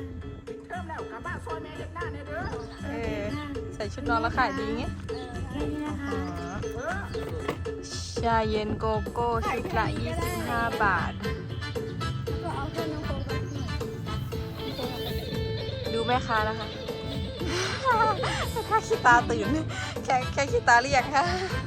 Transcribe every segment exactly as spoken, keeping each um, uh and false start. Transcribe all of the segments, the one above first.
เริ่มแล้วกลับบ้านซอยแม่เล็กหน้าเนี่ยเด้อเออใส่ชุดนอนแล้วขายดีไงแค่นี้นะคะเออชาเย็นโกโก้ชุดละยี่สิบห้าบาทก็เอาเพื่อนน้องโค้งไปหน่อยดูแม่ค้านะคะ ถ้าขี้ตาตื่น แค่แค่ขี้ตาเรียกค่ะ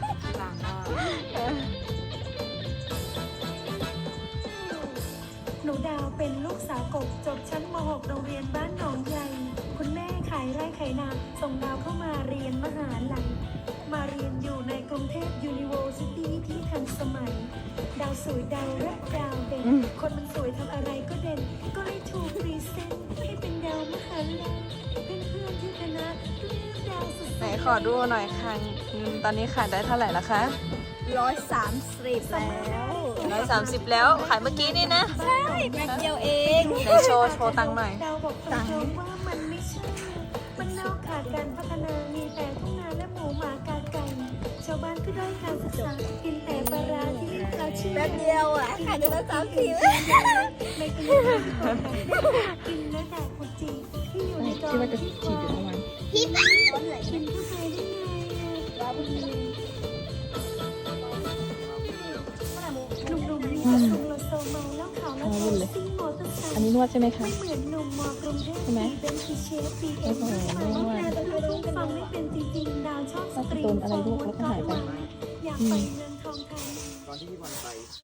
หนูดาวเป็นลูกสาวกบจบชั้นม .หก โรงเรียนบ้านหนองใหญ่ คุณแม่ขายไร่ขายนาส่งดาวเข้ามาเรียนมหาลัยมาเรียนอยู่ในกรุงเทพ University ที่ทันสมัย ดาวสวยดาวรักดาวเด่นอืมคนมันสวยทำอะไรก็เด่น ก็เลยถูกพรีเซนต์ให้เป็นดาวมหาลัยเพื่อนๆที่คณะเรียกดาวสุดๆไหนขอดูหน่อยค่ะเงินตอนนี้ขายได้เท่าไหร่ละคะร้อยสามสิบแล้วร้อยสามสิบแล้วขายเมื่อกี้นี่นะใช่แม็กเดียวเองไหนโชว์โชว์ตังค์หน่อยดาวบอกตรงๆว่ามันไม่ใช่ มันนอกขาดการพัฒนา มีแต่ทุ่งนาและหมูหมากาไก่ ชาวบ้านก็ด้อยการศึกษา กินแต่ปลาร้าที่เขาเชื่อแป๊บเดียวอ่ะขายได้ร้อยสามสิบไม่กินอาหารของแบบกินและแดกกุจีที่อยู่ในกองที่คอพี่ป้าคนไหนกินเข้าไปได้ไงอะร้อยบุญหนุ่มๆมีแต่ชมโลโซเมาแล้วขาวแล้วขาวซิ่งมอเตอร์ไซค์อันนี้นวดใช่ไหมคะไม่เหมือนหนุ่มมอกรุงเทพใช่ไหมเป็นคือเชฟบีเอ็มโอ้โหแต่เธอต้องฟังไม่เป็นจริงๆ ดาวชอบสตรีโดนอะไรลูกแล้วก็หายไปอยากไปเงินทองไทยตอนที่พี่บอลไป